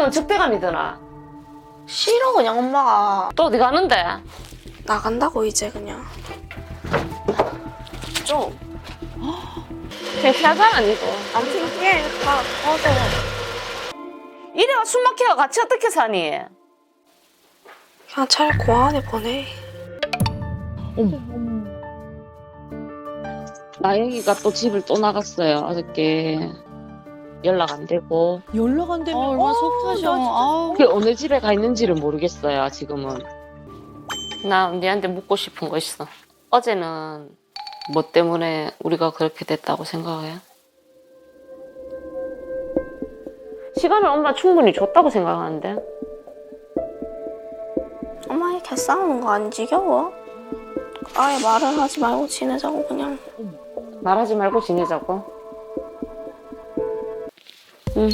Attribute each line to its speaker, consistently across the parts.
Speaker 1: 보면 적대감이 드나?
Speaker 2: 싫어 그냥 엄마가.
Speaker 1: 또 어디 가는데?
Speaker 2: 나간다고 이제 그냥. 좀.
Speaker 1: 창피하잖아 니도.
Speaker 2: 안 창피해. 가 꺼져.
Speaker 1: 이래가 숨 막혀가 같이 어떻게 사니?
Speaker 2: 그냥 차라리 공항에 보내.
Speaker 1: 나영이가 또 집을 또 나갔어요. 어저께 연락 안 되고.
Speaker 3: 연락 안 되면
Speaker 4: 얼마나 속 타셔. 아우.
Speaker 1: 그 어느 집에 가 있는지를 모르겠어요. 지금은. 나 니한테 묻고 싶은 거 있어. 어제는 뭐 때문에 우리가 그렇게 됐다고 생각해? 시간을 엄마 충분히 줬다고 생각하는데.
Speaker 2: 엄마 이렇게 싸우는 거 안 지겨워? 아예 말을 하지 말고 지내자고 그냥.
Speaker 1: 말하지 말고 지내자고. 응.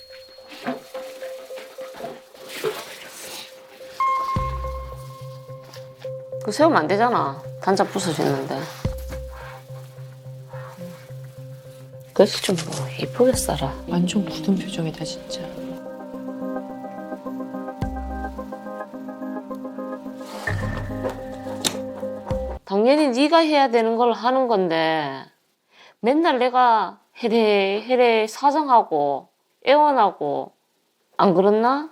Speaker 1: 그 세우면 안 되잖아. 단자 부서지는데. 그래서 좀 뭐 이쁘게 살아.
Speaker 3: 완전 굳은 표정이다 진짜.
Speaker 1: 당연히 네가 해야 되는 걸 하는 건데 맨날 내가 해래 사정하고 애원하고 안 그렇나?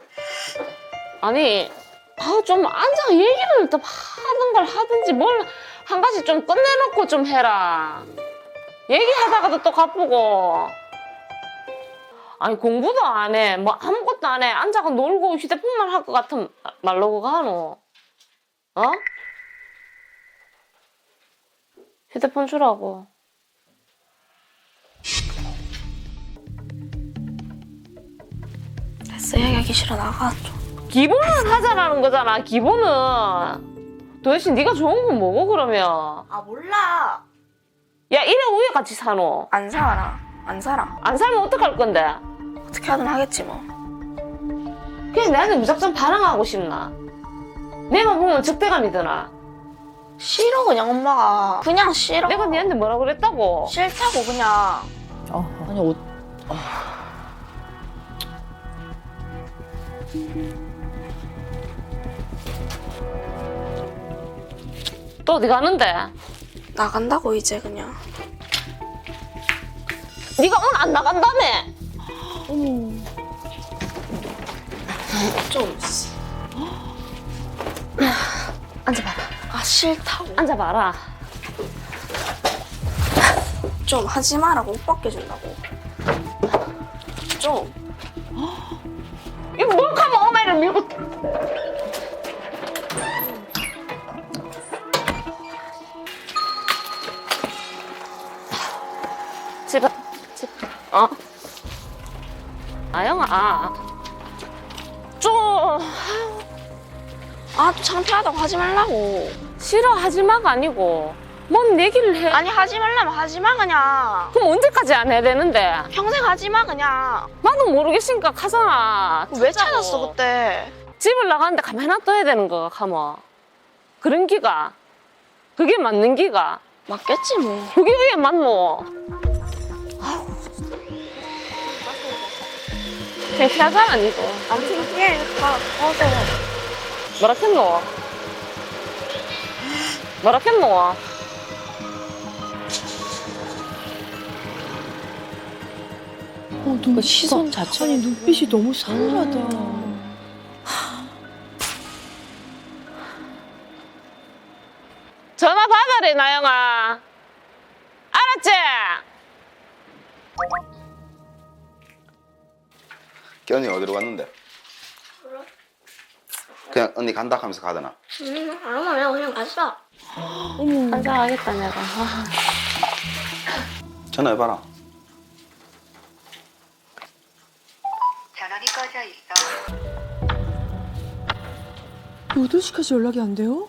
Speaker 1: 아니 좀 앉아 얘기를 또 하는 걸 하든지 뭘 한 가지 좀 끝내놓고 좀 해라. 얘기하다가도 또 가쁘고. 아니 공부도 안 해. 뭐 아무것도 안 해. 앉아가 놀고 휴대폰만 할 것 같은 말로 가노. 어? 휴대폰 주라고.
Speaker 2: 됐어 얘기하기 싫어 나가 좀.
Speaker 1: 기본은 하자라는 거잖아. 기본은. 도대체 네가 좋은 건 뭐고 그러면?
Speaker 2: 아 몰라.
Speaker 1: 야 이래 우에 같이 사노?
Speaker 2: 안 살아. 안 살아.
Speaker 1: 안 살면 어떡할 건데?
Speaker 2: 어떻게 하든 하겠지 뭐.
Speaker 1: 그냥 나한테 무작정 반항하고 싶나? 내만 보면 적대감이 드나?
Speaker 2: 싫어 그냥 엄마가. 그냥 싫어.
Speaker 1: 내가 니한테 뭐라 그랬다고?
Speaker 2: 싫다고 그냥.
Speaker 4: 아니 옷.
Speaker 1: 또 어디 가는데?
Speaker 2: 나간다고 이제 그냥.
Speaker 1: 네가 오늘 안 나간다며?
Speaker 2: 좀.
Speaker 1: 앉아봐라.
Speaker 2: 아 싫다고.
Speaker 1: 앉아봐라.
Speaker 2: 좀 하지 마라고 옷 벗겨준다고. 좀.
Speaker 1: 이거 몰카면 엄마를 밀고. 집에. 아영아. 좀.
Speaker 2: 아 또 창피하다고 하지 말라고.
Speaker 1: 싫어하지 마가 아니고. 뭔 얘기를 해.
Speaker 2: 아니 하지 말라면 하지 마 그냥.
Speaker 1: 그럼 언제까지 안 해야 되는데?
Speaker 2: 평생 하지 마 그냥.
Speaker 1: 나도 모르겠으니까 가잖아.
Speaker 2: 왜
Speaker 1: 찾자고.
Speaker 2: 찾았어 그때?
Speaker 1: 집을 나가는데 가만히 놔둬야 되는 거가 가면. 그런 기가. 그게 맞는 기가.
Speaker 2: 맞겠지 뭐.
Speaker 1: 그게 왜 맞노? 창피하잖아 니도.
Speaker 2: 안 창피해. 가 꺼져.
Speaker 1: 뭐라 했노? 뭐라 했노?
Speaker 3: 그 시선 자체가 아니 눈빛이 너무 싸늘하다.
Speaker 1: 전화 받아래 나영아. 알았지?
Speaker 5: 언니 어디로 갔는데? 그냥 언니 간다 하면서 가더나?
Speaker 2: 아무나 그냥 갔어.
Speaker 1: 한잔하겠다 내가.
Speaker 5: 전화해봐라.
Speaker 6: 전원이 꺼져 있어.
Speaker 3: 8시까지 연락이 안 돼요?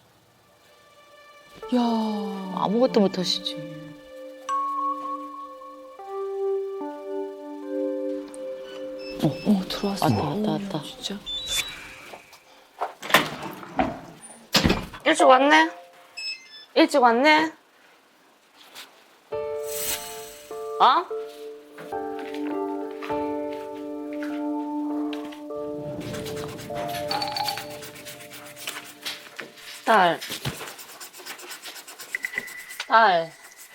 Speaker 3: 야.
Speaker 4: 아무것도 못 하시지.
Speaker 3: 들어왔어.
Speaker 4: 왔다.
Speaker 3: 진짜.
Speaker 1: 일찍 왔네? 일찍 왔네? 어? 딸. 딸.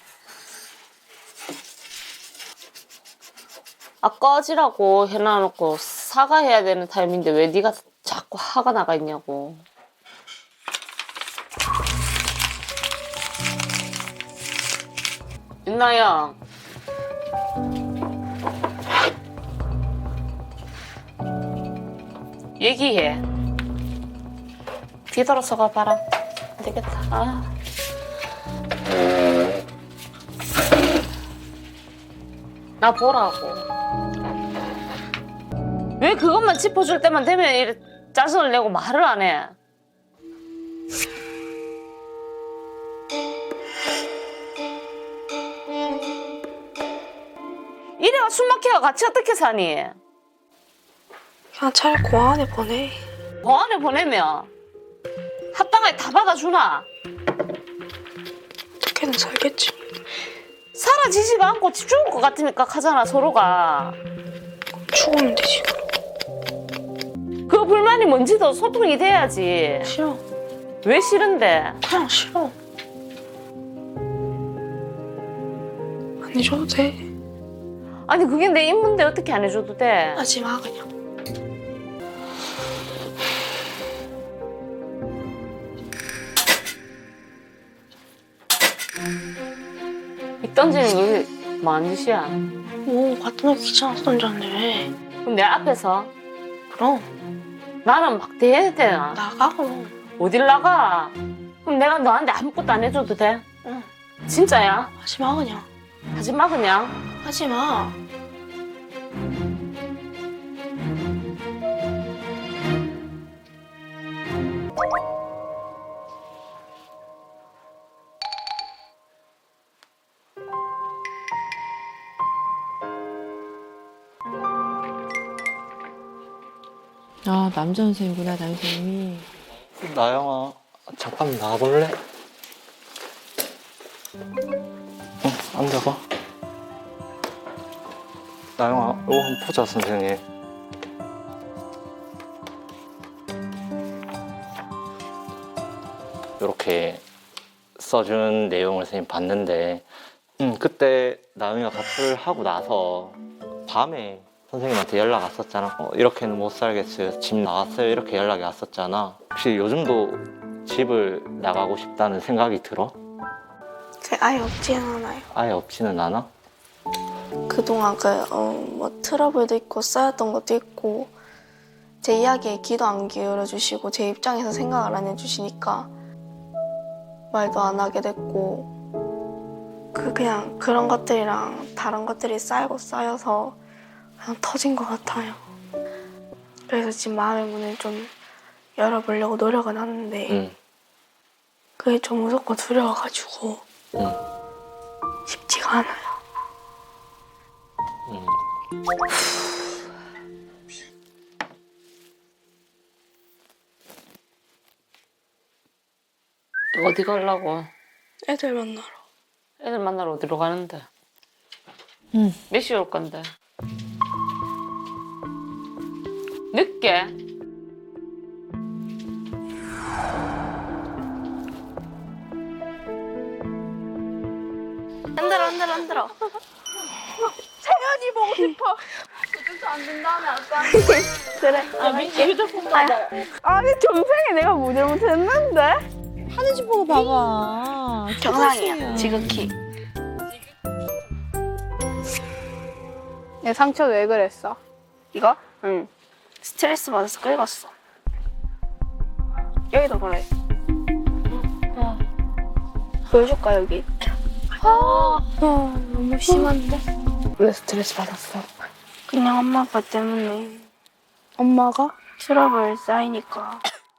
Speaker 1: 아, 꺼지라고 해놔놓고 사과해야 되는 타임인데 왜 네가 자꾸 화가 나가 있냐고. 윤나영. 얘기해. 뒤돌아서 가봐라. 안 되겠다. 아. 나 보라고. 왜 그것만 짚어줄 때만 되면 이렇게 짜증을 내고 말을 안 해? 이래가 숨막혀가 같이 어떻게 사니?
Speaker 2: 그냥 차라리 공항에 보내.
Speaker 1: 공안에 보내면 합당하게 다 받아주나?
Speaker 2: 걔는 살겠지.
Speaker 1: 사라지지가 않고 집 죽을 것 같으니까 하잖아 서로가.
Speaker 2: 죽으면 되지.
Speaker 1: 그 불만이 뭔지도 소통이 돼야지.
Speaker 2: 싫어.
Speaker 1: 왜 싫은데?
Speaker 2: 그냥 싫어. 안 해줘도 돼.
Speaker 1: 아니 그게 내 임무인데 어떻게 안 해줘도 돼?
Speaker 2: 하지 마 그냥.
Speaker 1: 이 던지는 게 뭐하는 짓이야?
Speaker 2: 뭐 같은 애 귀찮아서 던졌는데 왜?
Speaker 1: 그럼 내 앞에서
Speaker 2: 그럼
Speaker 1: 나는 막 대해야 되나?
Speaker 2: 나가 그럼.
Speaker 1: 어딜 나가? 그럼 내가 너한테 아무것도 안 해줘도 돼?
Speaker 2: 응.
Speaker 1: 진짜야?
Speaker 2: 하지 마 그냥.
Speaker 1: 하지 마 그냥.
Speaker 2: 하지 마.
Speaker 3: 아, 남자 선생님이구나, 남자 선생님이.
Speaker 7: 나영아, 잠깐 나와볼래? 응, 앉아봐. 나영아, 이거 한번 보자, 선생님. 이렇게 써준 내용을 선생님 봤는데, 그때 나영이가 가출을 하고 나서 밤에 선생님한테 연락 왔었잖아. 이렇게는 못 살겠어요. 집 나왔어요. 이렇게 연락이 왔었잖아. 혹시 요즘도 집을 나가고 싶다는 생각이 들어?
Speaker 2: 그 아예 없지는 않아요.
Speaker 7: 아예 없지는 않아?
Speaker 2: 그동안 뭐 트러블도 있고 쌓였던 것도 있고 제 이야기에 귀도 안 기울여 주시고 제 입장에서 생각을 안 해주시니까 말도 안 하게 됐고 그냥 그런 것들이랑 다른 것들이 쌓이고 쌓여서 그냥 터진 것 같아요. 그래서 지금 마음의 문을 좀 열어보려고 노력은 하는데
Speaker 7: 응.
Speaker 2: 그게 좀 무섭고 두려워가지고
Speaker 7: 응.
Speaker 2: 쉽지가 않아요.
Speaker 7: 응.
Speaker 1: 어디 가려고?
Speaker 2: 애들 만나러.
Speaker 1: 애들 만나러 어디로 가는데?
Speaker 3: 응.
Speaker 1: 몇 시에 올 건데? 늦게?
Speaker 2: 흔들어. 그래.
Speaker 1: 휴대폰 봐봐.
Speaker 2: 아니 정상에 내가 뭐 잘못했는데?
Speaker 3: 하는 집 보고 봐봐.
Speaker 2: 정상이야. 지극히.
Speaker 8: 얘 상처 왜 그랬어?
Speaker 2: 이거? 응. 스트레스 받아서 긁었어. 여기도 그래. 보여줄까 여기? 너무 심한데?
Speaker 8: 왜 스트레스 받았어?
Speaker 2: 그냥 엄마 아빠 때문에
Speaker 8: 엄마가?
Speaker 2: 트러블 쌓이니까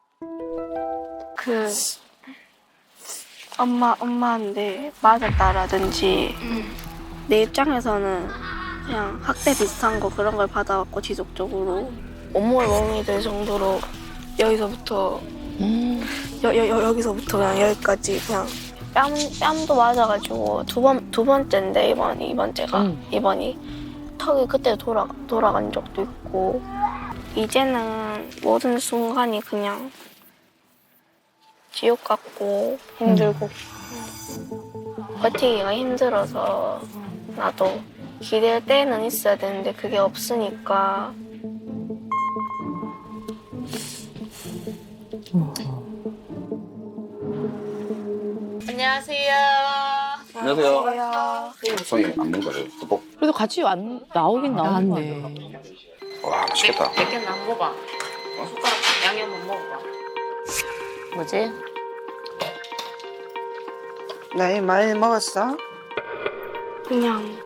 Speaker 2: 엄마한테 맞았다라든지 내 입장에서는 그냥 학대 비슷한 거 그런 걸 받아왔고 지속적으로 온몸에 멍이 될 정도로 여기서부터 여기서부터 그냥 여기까지 그냥 뺨도 맞아가지고 두 번째인데 이번이 턱이 그때 돌아간 적도 있고 이제는 모든 순간이 그냥 지옥 같고 힘들고 버티기가 힘들어서 나도 기댈 때는 있어야 되는데 그게 없으니까
Speaker 1: 안녕하세요.
Speaker 5: 안녕하세요. 손이 안 먹는 거예요. 또
Speaker 4: 그래도 같이 나오긴 나오는 거
Speaker 3: 나왔네.
Speaker 4: 같아.
Speaker 5: 와, 맛있겠다.
Speaker 1: 몇개는 안 먹어봐. 숟가락 양념 못 먹어봐. 뭐지?
Speaker 9: 나이 많이 먹었어?
Speaker 2: 그냥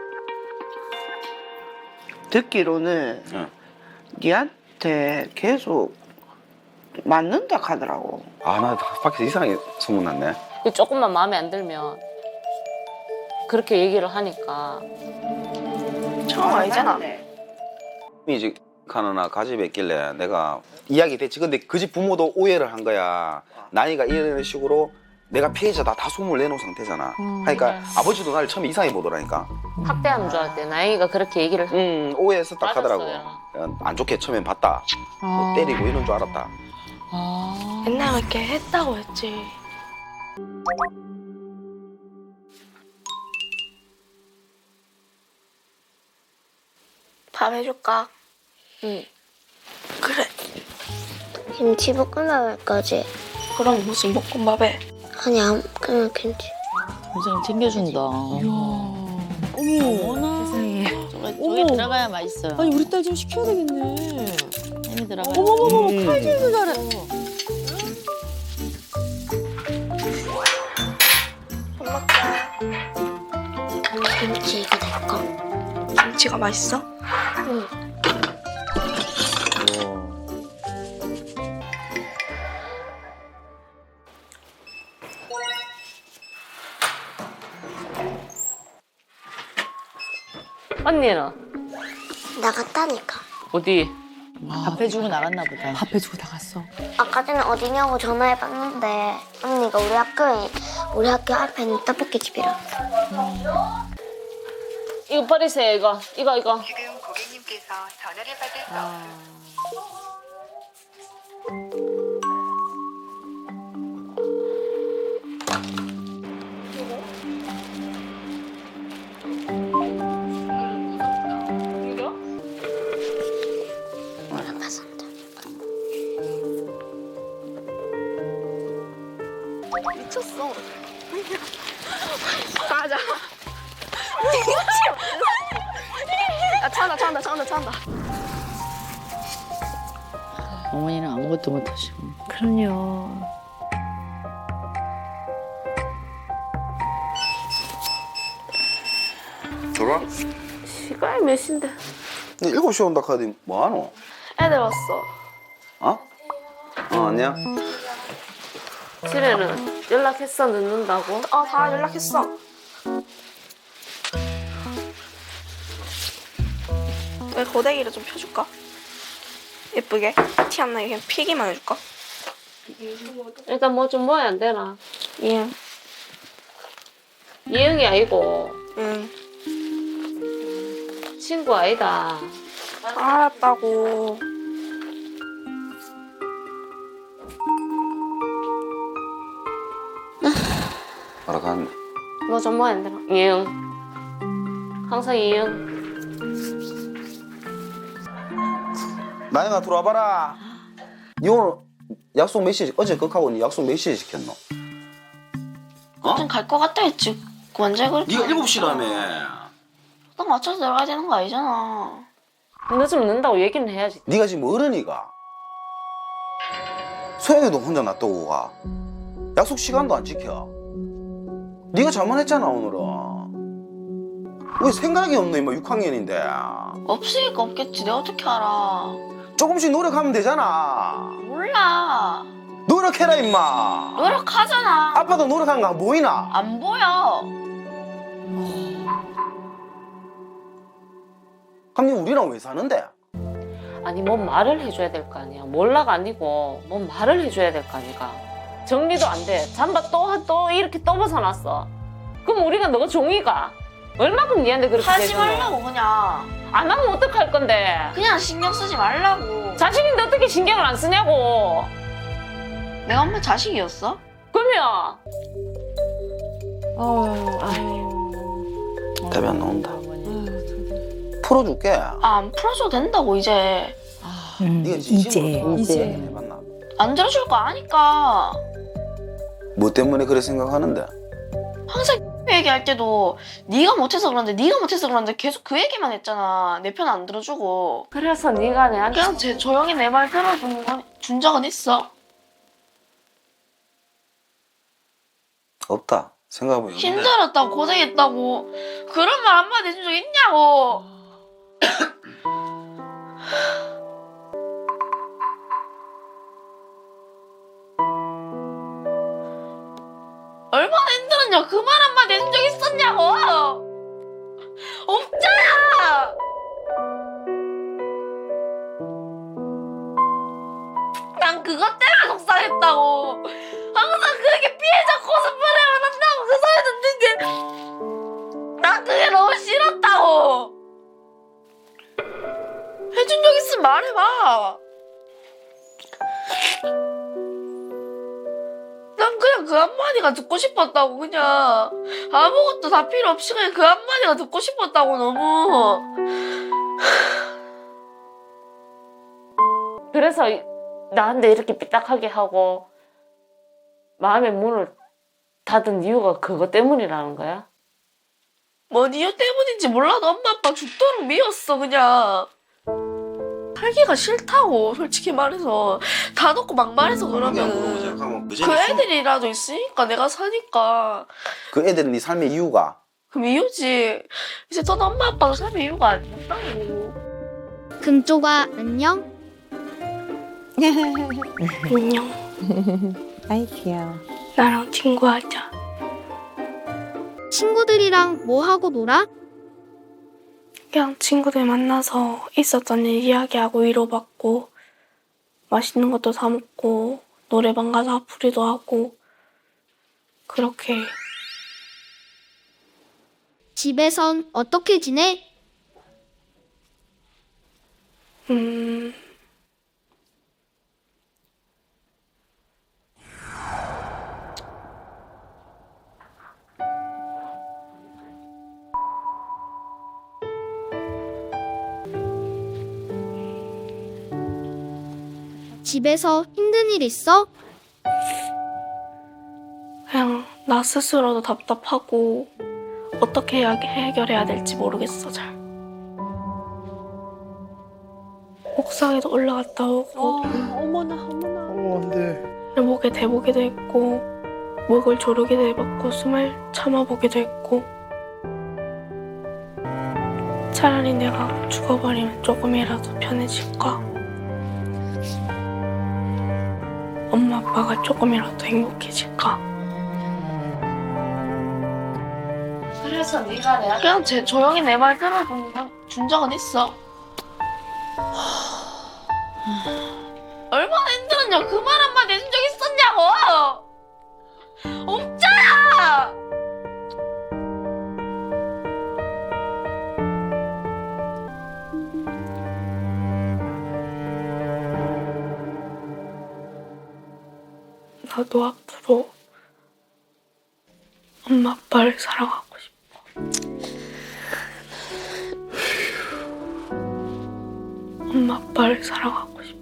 Speaker 9: 듣기로는
Speaker 5: 응.
Speaker 9: 니한테 계속 맞는다 하더라고.
Speaker 5: 아, 나 밖에서 이상하게 소문났네.
Speaker 1: 조금만 마음에 안 들면 그렇게 얘기를 하니까
Speaker 2: 처음 알잖아.
Speaker 5: 이제 가느나 가집에 있길래 내가 이야기 됐지. 근데 그 집 부모도 오해를 한 거야. 나이가 이런 식으로 내가 피해자다 다 소문을 내놓은 상태잖아. 그러니까 아버지도 나를 처음에 이상하게 보더라니까.
Speaker 1: 학대하는 줄 알았대. 나영이가 그렇게 얘기를
Speaker 5: 오해했었다 하더라고.
Speaker 1: 맞았어요.
Speaker 5: 안 좋게 처음엔 봤다. 뭐 때리고 이런 줄 알았다.
Speaker 2: 맨날 그렇게 했다고 했지. 밥 해줄까?
Speaker 1: 응.
Speaker 2: 그래.
Speaker 10: 김치볶음밥 할 거지?
Speaker 2: 그럼 무슨 볶음밥에?
Speaker 10: 아니 그냥 김치.
Speaker 4: 굉장히 챙겨준다.
Speaker 3: 어머.
Speaker 4: 세상에. 저게 들어가야 맛있어요.
Speaker 3: 아니 우리 딸 좀 시켜야 되겠네.
Speaker 4: 햄이 들어가야.
Speaker 3: 어머머머 칼질도 잘해.
Speaker 2: 밥 먹자.
Speaker 10: 김치 이거 내 거.
Speaker 2: 김치가 맛있어?
Speaker 1: 언니는
Speaker 10: 나갔다니까.
Speaker 1: 어디?
Speaker 4: 밥 해주고 나갔나 보다.
Speaker 3: 밥 해주고 나갔어.
Speaker 10: 아까 전에 어디냐고 전화해봤는데 언니가 우리 학교 앞에 있는 떡볶이집이라.
Speaker 1: 이거 버리세요. 이거.
Speaker 6: 지금 고객님께서 전화를 받을 수 없습니다.
Speaker 10: 몰라봤습니다.
Speaker 2: 미쳤어. 가자. 야, 찬다.
Speaker 4: 어머니는 아무것도 못 하시고.
Speaker 3: 그럼요.
Speaker 5: 들어와?
Speaker 2: 시간이 몇 시인데?
Speaker 5: 7시에 온다 카드 뭐하노?
Speaker 2: 애들 왔어.
Speaker 5: 어? 안녕?
Speaker 1: 집에는 연락했어 늦는다고?
Speaker 2: 다 연락했어. 왜 고데기를 좀 펴줄까? 예쁘게 티 안 나게 그냥 피기만 해줄까?
Speaker 1: 일단 뭐 좀 먹어야 안 되나?
Speaker 2: 예.
Speaker 1: 이응이 아니고
Speaker 2: 응.
Speaker 1: 친구 아니다.
Speaker 2: 알았다고.
Speaker 5: 알아갔네.
Speaker 1: 뭐 좀 먹어야 안 되나? 이응. 항상 이응.
Speaker 5: 나영아 들어와봐라. 니 오늘 약속 몇 시에 어제 극하고 니 약속 몇 시에 지켰노?
Speaker 2: 어떤 갈것 같다 했지. 언제 그렇게?
Speaker 5: 니가 7시라며.
Speaker 2: 딱 맞춰서 들어가야 되는 거 아니잖아.
Speaker 1: 늦으면 늦는다고 얘기는 해야지.
Speaker 5: 니가 지금 어른이가 소영이도 혼자 놔두고 가. 약속 시간도 안 지켜. 니가 잘못했잖아 오늘은. 왜 생각이 없노 임마 6학년인데.
Speaker 2: 없으니까 없겠지. 내가 어떻게 알아?
Speaker 5: 조금씩 노력하면 되잖아.
Speaker 2: 몰라.
Speaker 5: 노력해라 임마.
Speaker 2: 노력하잖아.
Speaker 5: 아빠도 노력한 거 안 보이나?
Speaker 2: 안 보여.
Speaker 5: 그럼 니 우리랑 왜 사는데?
Speaker 1: 아니 뭔 말을 해줘야 될 거 아니야. 몰라가 아니고 뭔 말을 해줘야 될 거 아니까. 정리도 안 돼. 잠바 또 이렇게 또 벗어놨어. 그럼 우리가 너가 종이가 얼마큼 니한테 그렇게
Speaker 2: 하지
Speaker 1: 대주노?
Speaker 2: 말라고 그냥.
Speaker 1: 안 하면 어떡할 건데?
Speaker 2: 그냥 신경 쓰지 말라고.
Speaker 1: 자식인데 어떻게 신경을 안 쓰냐고.
Speaker 2: 내가 엄마 자식이었어?
Speaker 1: 그러면
Speaker 5: 답이 안 나온다.
Speaker 4: 어머니.
Speaker 5: 풀어줄게.
Speaker 2: 안 풀어줘도 된다고 이제.
Speaker 5: 네가 이제 해봤나?
Speaker 2: 안 들어줄 거 아니까.
Speaker 5: 뭐 때문에 그래 생각하는데?
Speaker 2: 항상 얘기할 때도 네가 못해서 그런데 계속 그 얘기만 했잖아. 내 편 안 들어주고.
Speaker 1: 그래서 네가 내한테
Speaker 2: 그냥 조용히 내 말 준 적은 있어.
Speaker 5: 없다. 생각해보면
Speaker 2: 힘들었다고 고생했다고 그런 말 한마디 해준 적 있냐고. 얼마나 힘들었냐. 그 말 한마디 해준 적 있었냐고. 없잖아. 난 그것 때문에 속상했다고. 항상 그렇게 피해자 코스프레만 한다고 그 소리 듣는 게 난 그게 너무 싫었다고. 해준 적 있으면 말해봐. 난 그냥 그 한마디가 듣고 싶었다고. 그냥 아무것도 다 필요 없이 그냥 그 한마디가 듣고 싶었다고. 너무.
Speaker 1: 그래서 나한테 이렇게 삐딱하게 하고 마음의 문을 닫은 이유가 그것 때문이라는 거야?
Speaker 2: 뭔 이유 때문인지 몰라도 엄마 아빠 죽도록 미웠어. 그냥 살기가 싫다고. 솔직히 말해서 다 놓고 막말해서 그러면 그 애들이라도 있으니까 내가 사니까.
Speaker 5: 그 애들은 네 삶의 이유가
Speaker 2: 그럼 이유지. 이제 전 엄마 아빠도 삶의 이유가 아니었다고.
Speaker 10: 금쪽아 안녕.
Speaker 2: 안녕.
Speaker 3: 아이 귀여워.
Speaker 2: 나랑 친구하자.
Speaker 10: 친구들이랑 뭐 하고 놀아?
Speaker 2: 그냥 친구들 만나서 있었던 일 이야기하고 위로받고 맛있는 것도 사 먹고 노래방 가서 앞풀이도 하고 그렇게.
Speaker 10: 집에선 어떻게 지내? 집에서 힘든 일 있어?
Speaker 2: 그냥 나 스스로도 답답하고 어떻게 해결해야 될지 모르겠어. 잘. 옥상에도 올라갔다 오고 목에 대보기도 했고 목을 조르기도 해봤고 숨을 참아보기도 했고 차라리 내가 죽어버리면 조금이라도 편해질까? 엄마 아빠가 조금이라도 행복해질까?
Speaker 1: 그래서 네가 내한테
Speaker 2: 그냥 조용히 내 말 들어준 적은 있어. 얼마나 힘들었냐. 그 말 한마디 해준 적 있었냐고. 없잖아. 나도 앞으로 엄마 아빠를 사랑하고 싶어. 엄마 아빠를 사랑하고 싶어.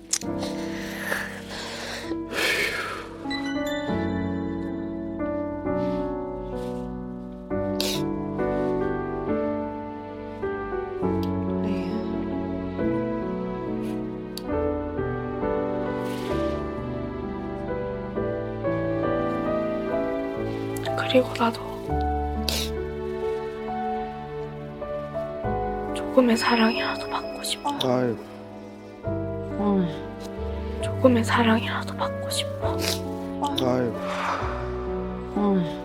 Speaker 2: 그리고 나도 조금의 사랑이라도 받고 싶어. 조금의 사랑이라도 받고 싶어.
Speaker 4: 어이.